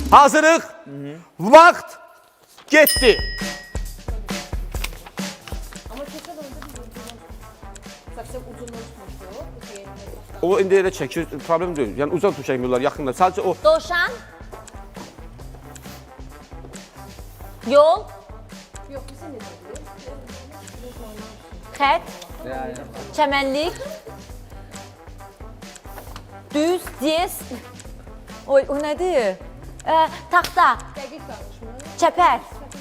Hazırıq. Vaxt getdi. Ama keçən onda biz Saksı uzunluğu tutmuşdu. O indi elə çəkir, problem deyil. Yəni uzaq tutub çəkmirlər, yaxınlar. Sadəcə o Dovşan. Yol. Yok, sen ne dedin? Xət. Çəmənlik. Düz, diyez. Oy, o nədir? Taxta. Dəqiq danışma. Çəpər.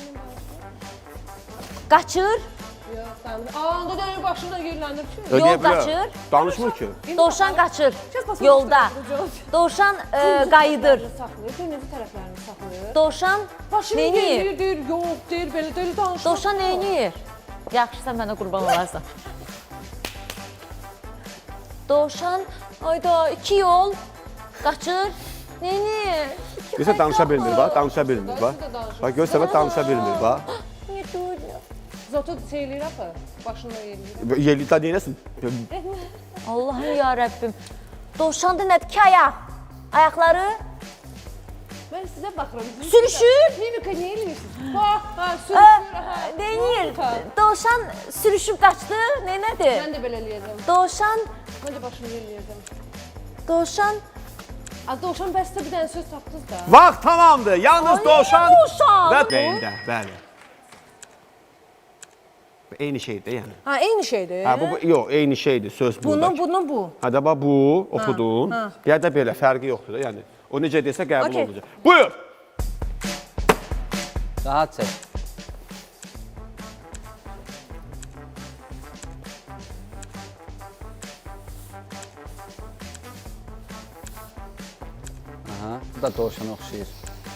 Qaçır. Yok, danış. Aa, onda dönüp başımda yerlendir ki. ödeyə Yol bilər. qaçır. Danışmır ki. Dovşan qaçır. Kes Yolda. Dovşan qayıdır. Saxlayır, dönüzü tərəflərini saxlayır. Dovşan Başını neyniyir? gelir, deyir, yok, deyir, belə danışma. Dovşan neyniyir? Yaxşı, sən mənə qurban olarsan. Dovşan, ayda 2 yol qaçır. Neyniyir? Görsə danışa bilmir, bax, danışa bilmir, bax. Bax, görsə danışa bilmir, bax. Niyə duymuyor? Zotu şeyləyir apı, başında yerləyir. Yerlikdə neynəsin? Allahım ya Rəbbim. Dovşanda nədir ki ayaq? Ayaqları Mən sizə baxıram. sürüşür. Mimika niyə eləyirsiniz? Bax, ha, sürüşür. Neyniyir? Dovşan sürüşüb qaçdı. Neynədir? Mən də belə eləyəcəm. Dovşan, Mən də başını yerləyəcəm. dovşan. Az dovşan bəsdə bir dənə söz tapdınız da. Vaxt tamamdır. Yalnız Ay, dovşan dovşan. və beyində, bəli. Eyni şeydir yəni. Ha, eyni şeydir. Hə, bu yox, eyni şeydir söz buradakı. Bunun bu. Hə də bax bu oxudun. Ya da belə fərqi yoxdur da, yəni. O necə desə qəbul Okey. olunacaq. Buyur. Rahat çək. Aha, bu da dovşana oxşayır.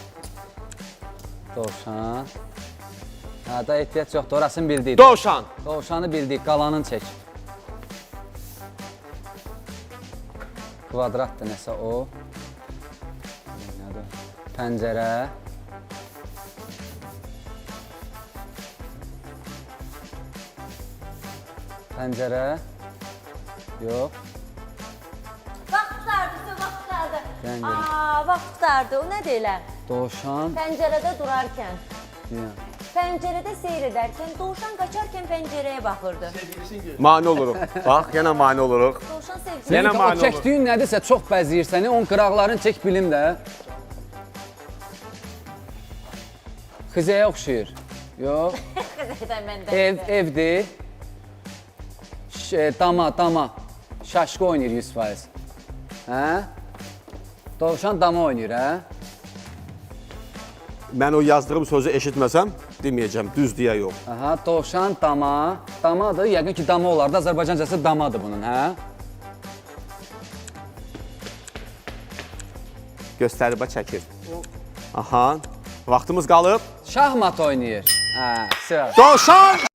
Dovşan. Ha, da ehtiyac yoxdur, orasını bildik. Dovşan. Dovşanı bildik, qalanını çək. Kvadratdır nəsə o. Nədir? Pəncərə. Pəncərə. Yox. Vaxt qutardı, vaxt qutardı. Dən gəlin. Vaxt qutardı. O nədir elə? Dovşan. Pəncərədə durarkən. Yəni. Pəncərədə seyr edərkən, dovşan qaçarkən pəncərəyə baxırdı. Mane oluruq. Bax, yenə mane oluruq. Dovşan sevgili. Yenə O mane olur. çəkdiyin nədirsə çox bəzəyir səni, onun qıraqlarını çək bilim də. Xizəyə oxşayır. Yox. Evdir. Dama. Şaşqı oynayır 100%. Hə? Dovşan dama oynayır, hə? Mən o yazdığım sözü eşitməsəm, deməyəcəm, düz deyə yox. Aha, dovşan dama. Damadır, yəqin ki dama olardı. Azərbaycancası damadır bunun, hə? Göstəribə çəkir. Aha. Vaxtımız qalıb. Şahmat oynayır. Hə, söz. Dovşan